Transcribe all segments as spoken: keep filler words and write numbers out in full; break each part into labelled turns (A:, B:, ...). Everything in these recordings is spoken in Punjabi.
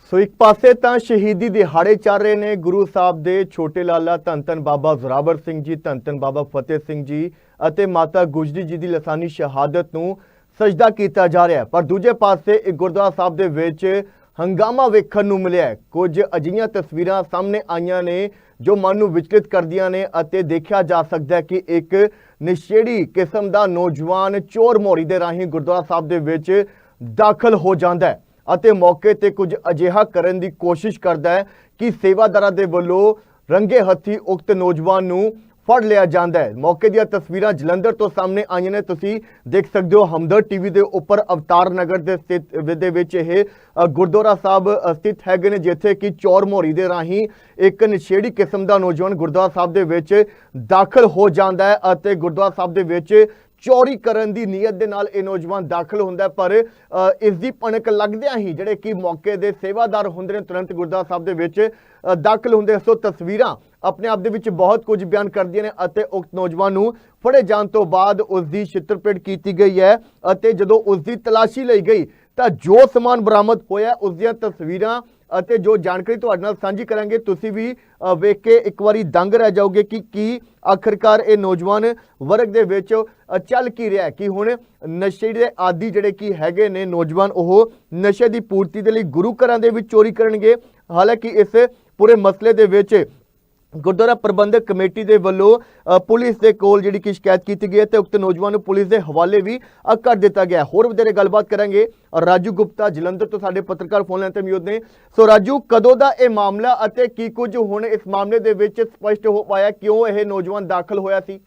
A: ਸੋ ਇੱਕ ਪਾਸੇ ਤਾਂ ਸ਼ਹੀਦੀ ਦਿਹਾੜੇ ਚੱਲ ਰਹੇ ਨੇ ਗੁਰੂ ਸਾਹਿਬ ਦੇ ਛੋਟੇ ਲਾਲਾ ਧੰਨ ਧੰਨ ਬਾਬਾ ਜ਼ੋਰਾਵਰ ਸਿੰਘ ਜੀ, ਧੰਨ ਧੰਨ ਬਾਬਾ ਫਤਿਹ ਸਿੰਘ ਜੀ ਅਤੇ ਮਾਤਾ ਗੁਜਰੀ ਜੀ ਦੀ ਲਾਸਾਨੀ ਸ਼ਹਾਦਤ ਨੂੰ ਸਜਦਾ ਕੀਤਾ ਜਾ ਰਿਹਾ ਹੈ। ਪਰ ਦੂਜੇ ਪਾਸੇ ਇੱਕ ਗੁਰਦੁਆਰਾ ਸਾਹਿਬ ਦੇ ਵਿੱਚ ਹੰਗਾਮਾ ਵੇਖਣ ਨੂੰ ਮਿਲਿਆ। ਕੁਝ ਅਜਿਹੀਆਂ ਤਸਵੀਰਾਂ ਸਾਹਮਣੇ ਆਈਆਂ ਨੇ ਜੋ ਮਨ ਨੂੰ ਵਿਚਲਿਤ ਕਰਦੀਆਂ ਨੇ ਅਤੇ ਦੇਖਿਆ ਜਾ ਸਕਦਾ ਹੈ ਕਿ ਇੱਕ ਨਸ਼ੇੜੀ ਕਿਸਮ ਦਾ ਨੌਜਵਾਨ ਚੋਰ ਮੋਰੀ ਦੇ ਰਾਹੀਂ ਗੁਰਦੁਆਰਾ ਸਾਹਿਬ ਦੇ ਵਿੱਚ ਦਾਖਲ ਹੋ ਜਾਂਦਾ ਹੈ ਅਤੇ ਮੌਕੇ ਤੇ ਕੁਝ ਅਜਿਹਾ ਕਰਨ ਦੀ ਕੋਸ਼ਿਸ਼ ਕਰਦਾ ਹੈ ਕਿ ਸੇਵਾਦਾਰਾਂ ਦੇ ਵੱਲੋਂ ਰੰਗੇ ਹੱਥੀ ਉਕਤ ਨੌਜਵਾਨ ਨੂੰ ਫੜ ਲਿਆ ਜਾਂਦਾ ਹੈ। ਮੌਕੇ ਦੀਆਂ ਤਸਵੀਰਾਂ ਜਲੰਧਰ ਤੋਂ ਸਾਹਮਣੇ ਆਈਆਂ ਨੇ। ਤੁਸੀਂ ਦੇਖ ਸਕਦੇ ਹੋ ਹਮਦਰ ਟੀਵੀ ਦੇ ਉੱਪਰ ਅਵਤਾਰ ਨਗਰ ਦੇ ਸਥਿਤ ਦੇ ਵਿੱਚ ਇਹ ਗੁਰਦੁਆਰਾ ਸਾਹਿਬ ਸਥਿਤ ਹੈਗੇ ਨੇ, ਜਿੱਥੇ ਕਿ ਚੋਰ ਮੋਰੀ ਦੇ ਰਾਹੀਂ ਇੱਕ ਨਸ਼ੇੜੀ ਕਿਸਮ ਦਾ ਨੌਜਵਾਨ ਗੁਰਦੁਆਰਾ ਸਾਹਿਬ ਦੇ ਵਿੱਚ ਦਾਖਲ ਹੋ ਜਾਂਦਾ ਹੈ ਅਤੇ ਗੁਰਦੁਆਰਾ ਸਾਹਿਬ ਦੇ ਵਿੱਚ ਚੋਰੀ ਕਰਨ ਦੀ ਨੀਅਤ ਦੇ ਨਾਲ ਇਹ ਨੌਜਵਾਨ ਦਾਖਲ ਹੁੰਦਾ ਹੈ। ਪਰ ਇਸ ਦੀ ਭਣਕ ਲੱਗਦਿਆਂ ਹੀ ਜਿਹੜੇ ਕਿ ਮੌਕੇ ਦੇ ਸੇਵਾਦਾਰ ਹੁੰਦੇ ਨੇ ਤੁਰੰਤ ਗੁਰਦੁਆਰਾ ਸਾਹਿਬ ਦੇ ਵਿੱਚ ਦਾਖਲ ਹੁੰਦੇ। ਸੋ ਤਸਵੀਰਾਂ ਆਪਣੇ ਆਪ ਦੇ ਵਿੱਚ ਬਹੁਤ ਕੁਝ ਬਿਆਨ ਕਰਦੀਆਂ ਨੇ ਅਤੇ ਉਕਤ ਨੌਜਵਾਨ ਨੂੰ ਫੜੇ ਜਾਣ ਤੋਂ ਬਾਅਦ ਉਸ ਦੀ ਛਿੱਤਰਪ੍ਰੇਡ ਕੀਤੀ ਗਈ ਹੈ ਅਤੇ ਜਦੋਂ ਉਸ ਦੀ ਤਲਾਸ਼ੀ ਲਈ ਗਈ ਤਾਂ ਜੋ ਸਮਾਨ ਬਰਾਮਦ ਹੋਇਆ ਉਸ ਦੀਆਂ ਤਸਵੀਰਾਂ ਅਤੇ ਜੋ ਜਾਣਕਾਰੀ ਤੁਹਾਡੇ ਨਾਲ ਸਾਂਝੀ ਕਰਾਂਗੇ। ਤੁਸੀਂ ਵੀ ਵੇਖ ਕੇ ਇੱਕ ਵਾਰੀ ਦੰਗ ਰਹਿ ਜਾਓਗੇ ਕਿ ਕੀ ਆਖਰਕਾਰ ਇਹ ਨੌਜਵਾਨ ਵਰਗ ਦੇ ਵਿੱਚ ਚੱਲ ਕੀ ਰਿਹਾ ਕਿ ਹੁਣ ਨਸ਼ੇ ਦੇ ਆਦੀ ਜਿਹੜੇ ਕਿ ਹੈਗੇ ਨੇ ਨੌਜਵਾਨ ਉਹ ਨਸ਼ੇ ਦੀ ਪੂਰਤੀ ਦੇ ਲਈ ਗੁਰੂ ਘਰਾਂ ਦੇ ਵਿੱਚ ਚੋਰੀ ਕਰਨਗੇ। ਹਾਲਾਂਕਿ ਇਸ ਪੂਰੇ ਮਸਲੇ ਦੇ ਵਿੱਚ ਗੁਰਦੁਆਰਾ ਪ੍ਰਬੰਧਕ ਕਮੇਟੀ ਦੇ ਵੱਲੋਂ ਪੁਲਿਸ ਦੇ ਕੋਲ ਜਿਹੜੀ ਕਿ ਸ਼ਿਕਾਇਤ ਕੀਤੀ ਗਈ ਹੈ ਤੇ ਉਕਤ ਨੌਜਵਾਨ ਨੂੰ ਪੁਲਿਸ ਦੇ ਹਵਾਲੇ ਵੀ ਕਰ ਦਿੱਤਾ ਗਿਆ। ਹੋਰ ਵਧੇਰੇ ਗੱਲਬਾਤ ਕਰਾਂਗੇ। ਰਾਜੂ ਗੁਪਤਾ ਜਲੰਧਰ ਤੋਂ ਸਾਡੇ ਪੱਤਰਕਾਰ ਫੋਨ ਲਾਈਨ ਤੇ ਮੌਜੂਦ ਨੇ। ਸੋ ਰਾਜੂ, ਕਦੋਂ ਦਾ ਇਹ ਮਾਮਲਾ ਅਤੇ ਕੀ ਕੁਝ ਹੁਣ ਇਸ ਮਾਮਲੇ ਦੇ ਵਿੱਚ ਸਪਸ਼ਟ ਹੋ ਪਾਇਆ, ਕਿਉਂ ਇਹ ਨੌਜਵਾਨ ਦਾਖਲ ਹੋਇਆ ਸੀ?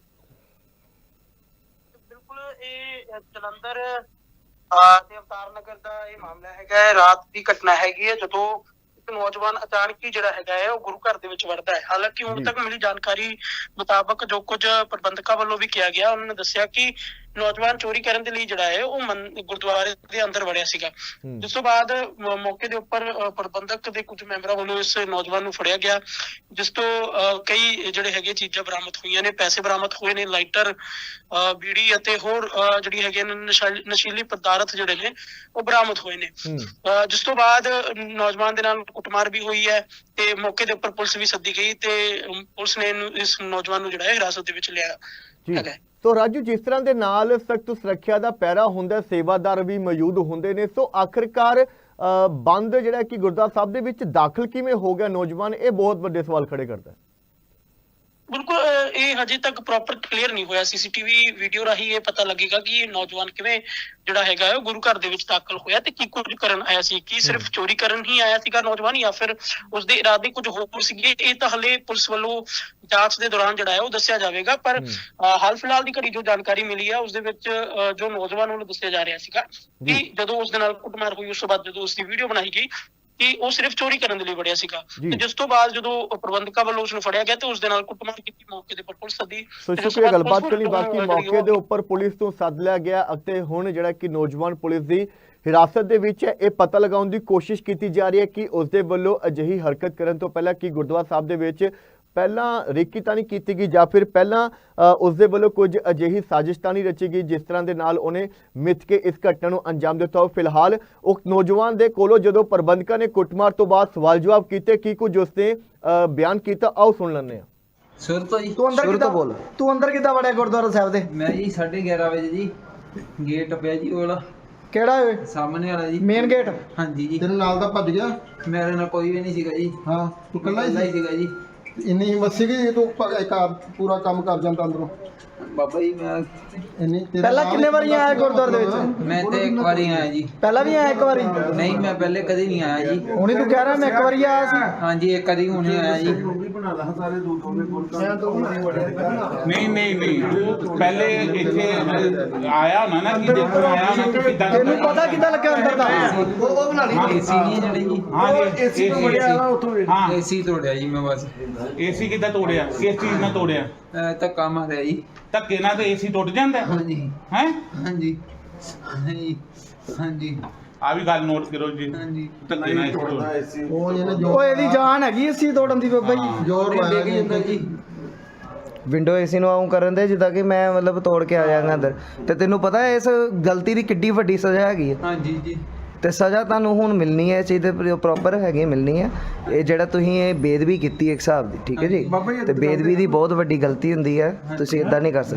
B: ਬਿਲਕੁਲ, ਇਹ ਜਲੰਧਰ ਤੇ ਅਵਤਾਰ ਨਗਰ ਦਾ ਇਹ ਮਾਮਲਾ ਹੈਗਾ। ਰਾਤ ਦੀ ਘਟਨਾ ਹੈਗੀ ਹੈ ਜਦੋਂ ਨੌਜਵਾਨ ਅਚਾਨਕ ਹੀ ਜਿਹੜਾ ਹੈਗਾ ਹੈ ਉਹ ਗੁਰੂ ਘਰ ਦੇ ਵਿੱਚ ਵੜਦਾ ਹੈ। ਹਾਲਾਂਕਿ ਹੁਣ ਤੱਕ ਮਿਲੀ ਜਾਣਕਾਰੀ ਮੁਤਾਬਕ ਜੋ ਕੁਝ ਪ੍ਰਬੰਧਕਾਂ ਵੱਲੋਂ ਵੀ ਕਿਹਾ ਗਿਆ, ਉਹਨਾਂ ਨੇ ਦੱਸਿਆ ਕਿ ਨੌਜਵਾਨ ਚੋਰੀ ਕਰਨ ਦੇ ਲਈ ਜਿਹੜਾ ਹੈ ਉਹ ਗੁਰਦੁਆਰੇ ਦੇ ਅੰਦਰ ਵੜਿਆ ਸੀਗਾ। ਜਿਸ ਤੋਂ ਬਾਅਦ ਮੌਕੇ ਦੇ ਉੱਪਰ ਪ੍ਰਬੰਧਕ ਦੇ ਕੁਝ ਮੈਂਬਰਾਂ ਵੱਲੋਂ ਇਸ ਨੌਜਵਾਨ ਨੂੰ ਫੜਿਆ ਗਿਆ, ਜਿਸ ਤੋਂ ਕਈ ਜਿਹੜੇ ਹੈਗੇ ਚੀਜ਼ਾਂ ਬਰਾਮਦ ਹੋਈਆਂ ਨੇ, ਪੈਸੇ ਬਰਾਮਦ ਹੋਏ ਨੇ, ਲਾਈਟਰ, ਬੀੜੀ ਅਤੇ ਹੋਰ ਜਿਹੜੀ ਹੈਗੇ ਨਸ਼ੀਲੀ ਪਦਾਰਥ ਜਿਹੜੇ ਨੇ ਉਹ ਬਰਾਮਦ ਹੋਏ ਨੇ। ਜਿਸ ਤੋਂ ਬਾਅਦ ਨੌਜਵਾਨ ਦੇ ਨਾਲ ਕੁੱਟਮਾਰ ਵੀ ਹੋਈ ਹੈ ਤੇ ਮੌਕੇ ਦੇ ਉੱਪਰ ਪੁਲਿਸ ਵੀ ਸੱਦੀ ਗਈ ਤੇ ਪੁਲਿਸ ਨੇ ਇਸ ਨੌਜਵਾਨ ਨੂੰ ਜਿਹੜਾ ਹੈ ਹਿਰਾਸਤ ਦੇ ਵਿੱਚ ਲਿਆ ਹੈਗਾ।
A: ਸੋ ਰਾਜੂ, ਜਿਸ ਤਰ੍ਹਾਂ ਦੇ ਨਾਲ ਸਖਤ ਸੁਰੱਖਿਆ ਦਾ ਪਹਿਰਾ ਹੁੰਦਾ, ਸੇਵਾਦਾਰ ਵੀ ਮੌਜੂਦ ਹੁੰਦੇ ਨੇ, ਸੋ ਆਖਿਰਕਾਰ ਬੰਦ ਜਿਹੜਾ ਕਿ ਗੁਰਦੁਆਰਾ ਸਾਹਿਬ ਦੇ ਵਿੱਚ ਦਾਖਲ ਕਿਵੇਂ ਹੋ ਗਿਆ ਨੌਜਵਾਨ, ਇਹ ਬਹੁਤ ਵੱਡੇ ਸਵਾਲ ਖੜੇ ਕਰਦਾ ਹੈ।
B: ਬਿਲਕੁਲ, ਇਹ ਹਜੇ ਤੱਕ ਪ੍ਰੋਪਰ ਕਲੀਅਰ ਨਹੀਂ ਹੋਇਆ। ਸੀਸੀਟੀਵੀ ਵੀਡੀਓ ਰਾਹੀਂ ਇਹ ਪਤਾ ਲੱਗੇਗਾ ਕਿ ਇਹ ਨੌਜਵਾਨ ਕਿਵੇਂ ਜਿਹੜਾ ਹੈਗਾ ਹੈ ਉਹ ਗੁਰੂ ਘਰ ਦੇ ਵਿੱਚ ਦਾਖਲ ਹੋਇਆ ਤੇ ਕੀ ਕੁਝ ਕਰਨ ਆਇਆ ਸੀ। ਕੀ ਸਿਰਫ ਚੋਰੀ ਕਰਨ ਹੀ ਆਇਆ ਸੀਗਾ ਨੌਜਵਾਨ ਜਾਂ ਫਿਰ ਉਸਦੇ ਇਰਾਦੇ ਕੁਝ ਹੋਰ ਸੀਗੇ? ਇਹ ਤਾਂ ਹਲੇ ਪੁਲਿਸ ਵੱਲੋਂ ਜਾਂਚ ਦੇ ਦੌਰਾਨ ਜਿਹੜਾ ਹੈ ਉਹ ਦੱਸਿਆ ਜਾਵੇਗਾ। ਪਰ ਹਾਲ ਫਿਲਹਾਲ ਦੀ ਘੜੀ ਜੋ ਜਾਣਕਾਰੀ ਮਿਲੀ ਹੈ ਉਸ ਦੇ ਵਿੱਚ ਜੋ ਨੌਜਵਾਨ ਵੱਲੋਂ ਦੱਸਿਆ ਜਾ ਰਿਹਾ ਸੀਗਾ ਕਿ ਜਦੋਂ ਉਸ ਦੇ ਨਾਲ ਕੁੱਟਮਾਰ ਹੋਈ ਉਸ ਤੋਂ ਬਾਅਦ ਜਦੋਂ ਉਸਦੀ ਵੀਡੀਓ ਬਣਾਈ ਗਈ ਕਿ ਉਹ ਸਿਰਫ ਚੋਰੀ ਕਰਨ ਦੇ ਲਈ ਵੜਿਆ ਸੀਗਾ ਤੇ ਜਿਸ ਤੋਂ ਬਾਅਦ ਜਦੋਂ ਪ੍ਰਬੰਧਕਾਂ ਵੱਲੋਂ ਉਸਨੂੰ ਫੜਿਆ ਗਿਆ ਤੇ ਉਸ ਦੇ ਨਾਲ ਕੁੱਟਮਾਰ ਕੀਤੀ, ਮੌਕੇ ਦੇ ਉੱਪਰ ਪੁਲਿਸ ਸੱਦੀ।
A: ਸੋ ਸ਼ੁਕਰੀਆ ਗੱਲਬਾਤ ਕਰਨ ਲਈ। ਬਾਕੀ ਮੌਕੇ ਦੇ ਉੱਪਰ ਪੁਲਿਸ ਤੋਂ ਸੱਦ ਲਿਆ ਗਿਆ ਅਤੇ ਹੁਣ ਜਿਹੜਾ ਕਿ ਨੌਜਵਾਨ ਪੁਲਿਸ ਦੀ ਹਿਰਾਸਤ ਦੇ ਵਿੱਚ ਹੈ। ਇਹ ਪਤਾ ਲਗਾਉਣ ਦੀ ਕੋਸ਼ਿਸ਼ ਕੀਤੀ ਜਾ ਰਹੀ ਹੈ ਕਿ ਉਸ ਦੇ ਵੱਲੋਂ ਅਜਿਹੀ ਹਰਕਤ ਕਰਨ ਤੋਂ ਪਹਿਲਾਂ ਕਿ ਗੁਰਦੁਆਰਾ ਸਾਹਿਬ ਦੇ ਵਿੱਚ ਪਹਿਲਾਂ ਰੇਕੀ ਤਾਂ ਨਹੀਂ ਕੀਤੀ ਗਈ ਜਾਂ ਫਿਰ ਪਹਿਲਾਂ ਉਸ ਦੇ ਵੱਲੋਂ ਕੁਝ ਅਜਿਹੀ ਸਾਜ਼ਿਸ਼ ਤਾਂ ਨਹੀਂ ਰਚੀ ਗਈ ਜਿਸ ਤਰ੍ਹਾਂ ਦੇ ਨਾਲ ਉਹਨੇ ਮਿੱਥ ਕੇ ਇਸ ਘਟਨਾ ਨੂੰ ਅੰਜਾਮ ਦਿੱਤਾ। ਫਿਲਹਾਲ ਉਹ ਨੌਜਵਾਨ ਦੇ ਕੋਲੋਂ ਜਦੋਂ ਪ੍ਰਬੰਧਕਾਂ ਨੇ ਕੁੱਟਮਾਰ ਤੋਂ ਬਾਅਦ ਸਵਾਲ ਜਵਾਬ ਕੀਤੇ, ਕੀ ਕੁਝ ਉਸਨੇ ਬਿਆਨ ਕੀਤਾ, ਆਓ ਸੁਣ ਲੈਂਦੇ ਹਾਂ।
C: ਸੁਰ ਤੋਂ ਜੀ
D: ਤੂੰ ਅੰਦਰ ਕਿੱਦਾਂ ਬੋਲ ਤੂੰ ਅੰਦਰ ਕਿੱਦਾਂ ਵੜਿਆ ਗੁਰਦੁਆਰਾ ਸਾਹਿਬ ਦੇ?
C: ਮੈਂ ਜੀ ਸਾਢੇ ਗਿਆਰਾਂ ਵਜੇ ਜੀ ਗੇਟ ਪਿਆ ਜੀ ਉਹ ਵਾਲਾ।
D: ਕਿਹੜਾ ਓਏ?
C: ਸਾਹਮਣੇ ਵਾਲਾ ਜੀ,
D: ਮੇਨ ਗੇਟ।
C: ਹਾਂਜੀ ਜੀ।
E: ਤੇਰੇ ਨਾਲ ਦਾ ਭੱਜ ਗਿਆ?
C: ਮੇਰੇ ਨਾਲ ਕੋਈ ਵੀ ਨਹੀਂ ਸੀਗਾ ਜੀ।
E: ਹਾਂ, ਤੂੰ ਇਕੱਲਾ
C: ਇਕੱਲਾ
E: ਹੀ
C: ਹੀ ਸੀਗਾ ਜੀ।
E: ਇੰਨੀ ਹਿੰਮਤ ਸੀਗੀ ਤੂੰ ਪ- ਇੱਕ ਆ ਪੂਰਾ ਕੰਮ ਕਰ ਜਾਂਦਾ ਅੰਦਰੋਂ?
C: ਬਾਬਾ ਜੀ ਮੈਂ
E: ਇੰਨੀ ਤੇਰੇ
D: ਪਹਿਲਾਂ
E: ਨਾਲ
D: ਕਿੰਨੇ
E: ਹੀ
D: ਵਾਰੀ ਆਇਆ ਗੁਰਦੁਆਰੇ ਦੇ ਵਿੱਚ?
C: ਮੈਂ ਤੇ ਇੱਕ ਵਾਰੀ ਆਇਆ ਜੀ।
D: ਪਹਿਲਾਂ ਵੀ ਆਇਆ ਇੱਕ ਵਾਰੀ?
C: ਨਹੀਂ, ਮੈਂ ਪਹਿਲੇ ਕਦੇ ਨਹੀਂ ਆਇਆ ਜੀ।
D: ਹੁਣੀ ਤੂੰ ਕਹਿ ਰਿਹਾ ਮੈਂ ਇੱਕ ਵਾਰੀ ਆਇਆ ਸੀ?
C: ਹਾਂਜੀ, ਇੱਕ ਵਾਰੀ ਹੁਣੇ ਆਇਆ ਜੀ।
F: ਨਹੀਂ ਨਹੀਂ ਨਹੀਂ ਤੂੰ ਪਹਿਲੇ ਇੱਥੇ ਆਇਆ ਨਾ ਨਾ ਕਿ ਦੇਖਣ ਆਇਆ ਨਾ ਕਿ ਕਿੱਦਾਂ
D: ਤੈਨੂੰ ਪਤਾ ਕਿੱਦਾਂ ਲੱਗਿਆ ਅੰਦਰ ਦਾ?
E: ਉਹ ਬਣਾ ਲਈ
C: ਏਸੀ ਨਹੀਂ ਜਿਹੜੇ ਜੀ।
F: ਹਾਂ ਜੀ,
E: ਏਸੀ ਤੋਂ ਵੜਿਆ ਨਾ ਉੱਥੋਂ ਵੇਖ।
F: ਹਾਂ,
C: ਏਸੀ ਤੋੜਿਆ ਜੀ ਮੈਂ ਬਸ।
F: ਏਸੀ ਕਿੱਦਾਂ ਤੋੜਿਆ? ਕਿਸ ਚੀਜ਼ ਨਾਲ ਤੋੜਿਆ?
C: ਅਹ ਧੱਕਾ ਮਾਰਿਆ ਜੀ।
F: ਧੱਕੇ ਨਾਲ ਤਾਂ ਏਸੀ ਟੁੱਟ ਜਾਂਦਾ ਹੈ
C: ਹਾਂਜੀ
F: ਹੈ।
C: ਹਾਂਜੀ ਹਾਂਜੀ ਹਾਂਜੀ
F: ਆ ਵੀ ਗੱਲ ਨੋਟ ਕਰੋ ਜੀ,
C: ਹਾਂਜੀ।
F: ਧੱਕੇ ਨਾਲ ਏਸੀ ਟੁੱਟ
E: ਉਹ ਇਹਨੇ
D: ਉਹ
E: ਜੋ
D: ਇਹਦੀ ਜਾਨ ਹੈਗੀ ਏਸੀ ਤੋੜਨ ਦੀ ਬਾਬਾ ਜੀ।
E: ਜ਼ੋਰ
C: ਡਿੱਗ
E: ਲਾਇਆ
C: ਜਾਂਦਾ ਜੀ।
D: ਵਿੰਡੋ ਏਸੀ ਨੂੰ ਆਉਂ ਕਰਨ ਦੇ ਜਿੱਦਾਂ ਕਿ ਮੈਂ ਮਤਲਬ ਤੋੜ ਕੇ ਆ ਜਾਵਾਂਗਾ ਅੰਦਰ। ਤੇ ਤੈਨੂੰ ਪਤਾ ਇਸ ਗਲਤੀ ਦੀ ਕਿੱਡੀ ਵੱਡੀ ਸਜ਼ਾ ਹੈਗੀ ਹੈ?
C: ਹਾਂਜੀ ਜੀ।
D: ਤੇ ਸਜ਼ਾ ਤੁਹਾਨੂੰ ਹੁਣ ਮਿਲਣੀ ਹੈ, ਇਸ ਚੀਜ਼ ਦੇ ਪ੍ਰੋਪਰ ਹੈਗੇ ਮਿਲਣੀ ਹੈ। ਇਹ ਜਿਹੜਾ ਤੁਸੀਂ ਇਹ ਬੇਦਬੀ ਕੀਤੀ ਇੱਕ ਹਿਸਾਬ ਦੀ, ਠੀਕ ਹੈ ਜੀ, ਤੇ ਬੇਦਬੀ ਦੀ ਬਹੁਤ ਵੱਡੀ ਗਲਤੀ ਹੁੰਦੀ ਹੈ, ਤੁਸੀਂ ਇਦਾਂ ਨਹੀਂ ਕਰ ਸਕਦੇ।